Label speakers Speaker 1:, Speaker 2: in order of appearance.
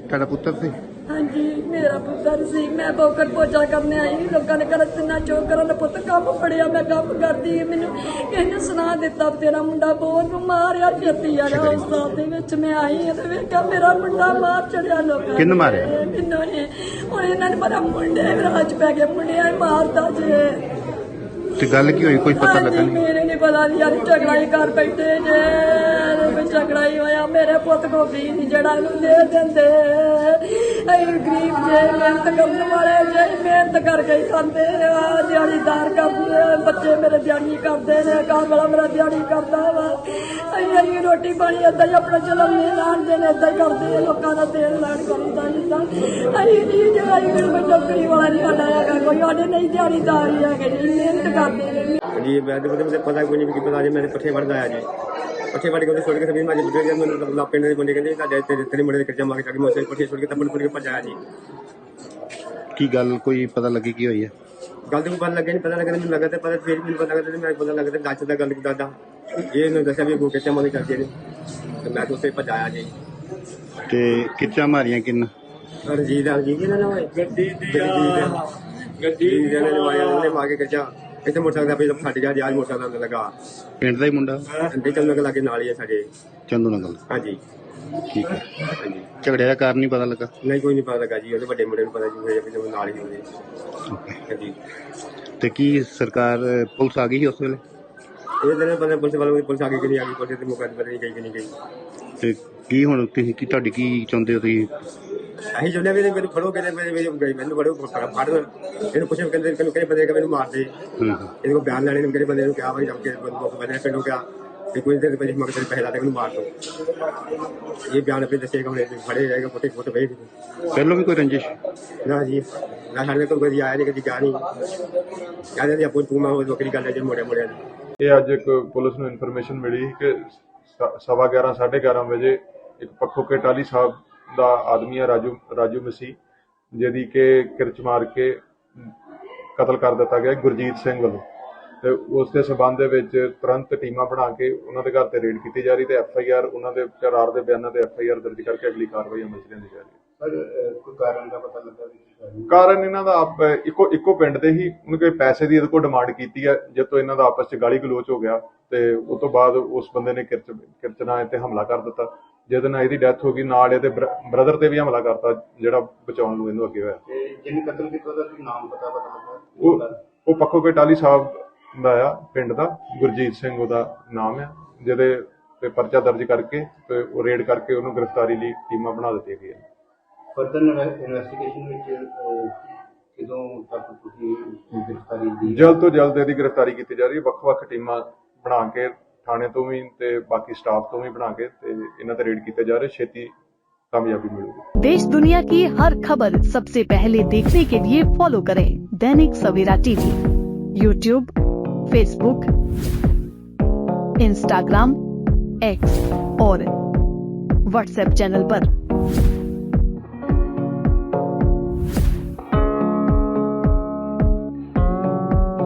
Speaker 1: ਤੁਹਾਡਾ ਪੁੱਤਰ ਸੀ?
Speaker 2: ਹਾਂਜੀ ਮੇਰਾ ਪੁੱਤਰ ਸੀ। ਮੈਂ ਬੋਕਰ ਪੋਚਾ ਕਰਨੇ ਆਈ, ਲੋਕਾਂ ਨੇ ਕਰ ਤਿੰਨਾ ਚੋਕ ਕਰਨ ਪੁੱਤ ਕੰਮ ਫੜਿਆ, ਮੈਂ ਕੰਮ ਕਰਦੀ। ਮੈਨੂੰ ਇਹਨੇ ਸੁਣਾ ਦਿੱਤਾ ਤੇਰਾ ਮੁੰਡਾ ਬਹੁਤ ਬਿਮਾਰ ਆ, ਛੇਤੀ ਆ ਜਾ। ਹਸਪਤਾਲ ਦੇ ਵਿੱਚ ਮੈਂ ਆਈ ਤੇ ਵੇਖਿਆ ਮੇਰਾ ਮੁੰਡਾ ਮਾਰ ਚੜਿਆ ਲੋਕਾਂ ਨੇ।
Speaker 1: ਕਿਹਨੂੰ ਮਾਰਿਆ?
Speaker 2: ਮੈਨੂੰ ਨੇ। ਹੁਣ ਇਹਨਾਂ ਨੇ ਪਤਾ ਮੁੰਡੇ ਰਾਜ ਪੈ ਗਏ, ਮੁੰਡਿਆਂ ਹੀ ਮਾਰਦਾ ਜੇ।
Speaker 1: ਤੇ ਗੱਲ ਕੀ ਹੋਈ, ਕੋਈ ਪਤਾ ਲੱਗਾ ਨਹੀਂ?
Speaker 2: ਮੇਰੇ ਨਹੀਂ ਪਤਾ ਯਾਰ, ਝਗੜਾ ਹੀ ਕਰ ਬੈਠੇ ਜੇ। ਝਗੜਾ ਹੀ ਹੋਇਆ, ਮੇਰੇ ਪੁੱਤ ਕੋ ਵੀ ਨਹੀਂ ਜਿਹੜਾ ਇਹਨੂੰ ਦੇ ਦਿੰਦੇ। ਅਸੀਂ ਗਰੀਬ ਜੇ, ਮਿਹਨਤ ਕਰਨ ਵਾਲੇ ਜੇ, ਮਿਹਨਤ ਕਰਕੇ ਹੀ ਖਾਂਦੇ ਆ, ਦਿਹਾੜੀਦਾਰ ਕਰਦੇ ਆ। ਬੱਚੇ ਮੇਰੇ ਦਿਹਾੜੀ ਕਰਦੇ ਨੇ, ਘਰ ਵਾਲਾ ਮੇਰਾ ਦਿਹਾੜੀ ਕਰਦਾ ਵਾ। ਅਸੀਂ ਰੋਟੀ ਪਾਣੀ ਏਦਾਂ ਹੀ ਆਪਣਾ ਚਲਾਉਂਦੇ ਲਾਣਦੇ ਨੇ, ਏਦਾਂ ਹੀ ਕਰਦੇ ਲੋਕਾਂ ਦਾ ਤੇਲ ਲਾਣ ਕਰੀਦਾ ਜਿੱਦਾਂ। ਅਸੀਂ ਨਹੀਂ ਜਿਹੜਾ ਕੋਈ ਨੌਕਰੀ ਵਾਲਾ ਨਹੀਂ ਸਾਡਾ ਹੈਗਾ, ਕੋਈ ਸਾਡੇ ਨਹੀਂ ਦਿਹਾੜੀਦਾਰ ਹੀ ਹੈਗੇ ਜੀ, ਮਿਹਨਤ ਕਰਦੇ ਨੇ।
Speaker 3: जी मैं तो मुझे पता कोई नहीं कि पता जी मैंने पट्ठे वड़ आया जी पट्ठे वड़ के छोड़ के सभी मैं बुढ़े जब मैंने पिंड के बंदे कहते तेरे मुंडे कर्जा मांग जाके मैं पट्ठे छोड़ के तब छोड़ के भजाया जी।
Speaker 1: ਕੀ ਗੱਲ ਕੋਈ ਪਤਾ ਲੱਗੀ ਕੀ ਹੋਈ ਹੈ?
Speaker 3: गल तो पता लगे नहीं, पता लगे मैंने लगा पता फिर भी पता लगा मैं पता लगा दस का गल दादा ये दसा भी कर्जा मांग करते तो मैं तो उसे भजाया जी।
Speaker 1: ਤੇ ਕਿੱਚਾ ਮਾਰੀਆਂ ਕਿੰਨਾ?
Speaker 3: रंजीत रंजीत ना गड्डी ने मार के कर्जा ਇੱਥੇ ਮੋਟਰਸਾਈਕਲ ਦਾ ਫਟ ਗਿਆ ਜੀ। ਅੱਜ ਮੋਟਰਸਾਈਕਲ ਲੱਗਾ
Speaker 1: ਪਿੰਡ ਦਾ ਹੀ ਮੁੰਡਾ?
Speaker 3: ਅੰਡੇ ਚੱਲਣ ਕੇ ਲਾਗੇ ਨਾਲ ਹੀ ਹੈ ਸਾਡੇ
Speaker 1: ਚੰਦੂ ਨਗਲ।
Speaker 3: ਹਾਂਜੀ
Speaker 1: ਠੀਕ ਹੈ।
Speaker 3: ਹਾਂਜੀ
Speaker 1: ਝਗੜੇ ਦਾ ਕਾਰਨ ਨਹੀਂ ਪਤਾ ਲੱਗਾ?
Speaker 3: ਨਹੀਂ ਕੋਈ ਨਹੀਂ ਪਤਾ ਲੱਗਾ ਜੀ, ਉਹਦੇ ਵੱਡੇ ਮੁੰਡੇ ਨੂੰ ਪਤਾ ਜੀ ਹੋਇਆ ਕਿ ਜਦੋਂ ਨਾਲ ਹੀ ਉਹਦੇ।
Speaker 1: ਓਕੇ।
Speaker 3: ਹਾਂਜੀ
Speaker 1: ਤੇ ਕੀ ਸਰਕਾਰ ਪੁਲਿਸ ਆ ਗਈ ਸੀ ਉਸ ਵੇਲੇ?
Speaker 3: ਇਹ ਦਿਨ ਪਤਾ ਪੁਲਿਸ ਵਾਲੋਂ ਪੁਲਿਸ ਆ ਗਈ ਕਿ ਨਹੀਂ ਆ ਗਈ, ਪੁਲਿਸ ਦੇ ਮੁਕਾਬਲੇ ਪਤਾ ਨਹੀਂ ਗਈ ਕਿ ਨਹੀਂ ਗਈ।
Speaker 1: ਤੇ ਕੀ ਹੁਣ ਤੁਸੀਂ ਕੀ ਤੁਹਾਡੀ ਕੀ ਚਾਹੁੰਦੇ ਹੋ ਤੁਸੀਂ?
Speaker 3: ਅਸੀਂ ਚਾਹੁੰਦੇ ਵੀ ਮੈਨੂੰ ਫੜੋ ਕਹਿੰਦੇ ਮੈਨੂੰ ਫੜੋ ਫੜ ਇਹਨੂੰ ਪੁੱਛੋ ਕਹਿੰਦੇ ਕਿਹੜੇ ਬੰਦੇ ਮੈਨੂੰ ਮਾਰ ਦੇ। ਇਹਦੇ ਕੋਲ ਬਿਆਨ ਲੈਣੇ ਨੂੰ ਕਿਹੜੇ ਬੰਦੇ ਨੂੰ ਕਿਹਾ ਭਾਈ ਜਮ ਕੇ ਬੰਦੇ ਪਿੰਡੋਂ ਕਿਹਾ ਕਿ ਕੋਈ ਦੇਰ ਪਹਿਲੇ ਮਗਰ ਪੈਸੇ ਲਾ ਦੇ ਮੈਨੂੰ ਮਾਰ ਦੋ। ਇਹ ਬਿਆਨ ਆਪਣੇ ਦੱਸੇਗਾ, ਹੁਣ ਫੜੇ ਜਾਏਗਾ ਫੋਟੇ ਫੋਟੇ ਵੇਖ।
Speaker 1: ਪਹਿਲਾਂ ਵੀ ਕੋਈ ਰੰਜਿਸ਼?
Speaker 3: ਨਾ ਜੀ ਨਾ, ਸਾਡੇ ਕੋਲ ਕਦੀ ਆਇਆ ਨਹੀਂ, ਕਦੀ ਗਿਆ ਨਹੀਂ। ਕਹਿੰਦੇ ਆਪੋ ਤੂੰ ਮੈਂ ਵੱਖਰੀ ਗੱਲ ਹੈ ਜੀ ਮੋੜਿਆ ਮੋੜਿਆ ਦੀ।
Speaker 4: ਇਹ ਅੱਜ ਇੱਕ ਪੁਲਿਸ ਨੂੰ ਇਨਫੋਰਮੇਸ਼ਨ ਮਿਲੀ ਕਿ 11:15 11:30 ਵਜੇ ਇੱਕ ਪੱਖੋ ਕੇ ਟਾਲੀ ਸਾਹਿਬ ਦਾ ਆਦਮੀ ਹੈ ਰਾਜੂ ਮਸੀਹ, ਜਿਹਦੀ ਕਿ ਕਿਰਚ ਮਾਰ ਕੇ ਕਤਲ ਕਰ ਦਿੱਤਾ ਗਿਆ ਗੁਰਜੀਤ ਸਿੰਘ ਵੱਲੋਂ। ਤੇ ਉਸ ਦੇ ਸਬੰਧ ਦੇ ਵਿੱਚ ਤੁਰੰਤ ਟੀਮਾਂ ਬਣਾ ਕੇ ਉਹਨਾਂ ਦੇ ਘਰ ਤੇ ਰੇਡ ਕੀਤੀ ਜਾ ਰਹੀ ਤੇ FIR ਉਹਨਾਂ ਦੇ ਕਰਾਰ ਦੇ ਬਿਆਨਾਂ ਤੇ FIR ਦਰਜ ਕਰਕੇ ਅਗਲੀ ਕਾਰਵਾਈ ਅਮਲ ਚ ਲਿਆਂਦੀ ਜਾ ਰਹੀ ਹੈ।
Speaker 5: ਕੋਈ ਕਾਰਨ ਦਾ ਪਤਾ ਲੱਗਾ?
Speaker 4: ਕਾਰਨ ਇਹਨਾਂ ਦਾ ਇੱਕੋ ਪਿੰਡ ਦੇ ਹੀ ਉਹਨੇ ਕੋਈ ਪੈਸੇ ਦੀ ਇਹਦੇ ਕੋਲ ਡਿਮਾਂਡ ਕੀਤੀ ਹੈ, ਜਦ ਤੋਂ ਇਹਨਾਂ ਦਾ ਆਪਸ ਚ ਗਾਲੀ ਗਲੋਚ ਹੋ ਗਿਆ ਤੇ ਉਸ ਤੋਂ ਬਾਅਦ ਉਸ ਬੰਦੇ ਨੇ ਕਿਰਚ ਨਾਲ ਤੇ ਹਮਲਾ ਕਰ ਦਿੱਤਾ, ਜਿਹਦੇ ਨਾਲ ਇਹਦੀ ਡੈਥ ਹੋ ਗਈ। ਨਾਲ ਇਹਦੇ ਬ੍ਰਦਰ ਤੇ ਵੀ ਹਮਲਾ ਕਰਤਾ ਜਿਹੜਾ ਬਚਾਉਣ ਨੂੰ ਇਹਨੂੰ ਅੱਗੇ ਹੋਇਆ।
Speaker 5: ਜਿਹਨੇ ਕਤਲ ਕੀਤਾ ਉਹਦਾ ਨਾਮ ਪਤਾ ਲੱਗਾ?
Speaker 4: ਉਹ ਪੱਖੋ ਕੇ ਟਾਲੀ ਸਾਹਿਬ ਦਾ ਆ, ਪਿੰਡ ਦਾ ਗੁਰਜੀਤ ਸਿੰਘ ਉਹਦਾ ਨਾਮ ਆ, ਜਿਹਦੇ ਤੇ ਪਰਚਾ ਦਰਜ ਕਰਕੇ ਤੇ ਉਹ ਰੇਡ ਕਰਕੇ ਉਹਨੂੰ ਗ੍ਰਿਫਤਾਰੀ ਲਈ ਟੀਮਾਂ ਬਣਾ ਦਿੱਤੀਆਂ ਗਈਆਂ।
Speaker 5: ਫਰਦਰ ਇਨਵੈਸਟੀਗੇਸ਼ਨ ਵਿੱਚ ਕਿਦੋਂ ਤੱਕ ਤੁਸੀਂ ਗ੍ਰਿਫਤਾਰੀ ਦੀ?
Speaker 4: ਜਲਦ ਤੋਂ ਜਲਦ ਇਹਦੀ ਗ੍ਰਿਫਤਾਰੀ ਕੀਤੀ ਜਾ ਰਹੀ ਹੈ। ਵੱਖ-ਵੱਖ ਟੀਮਾਂ ਬਣਾ ਕੇ थाने तो भी ते बाकी स्टाफ तो भी बना के ते इन्हां ते रेड किए जा रहे, छेती कामयाबी मिलेगी।
Speaker 6: देश दुनिया की हर खबर सबसे पहले देखने के लिए फॉलो करें Dainik Savera TV, YouTube, Facebook, Instagram, X और व्हाट्सएप चैनल पर।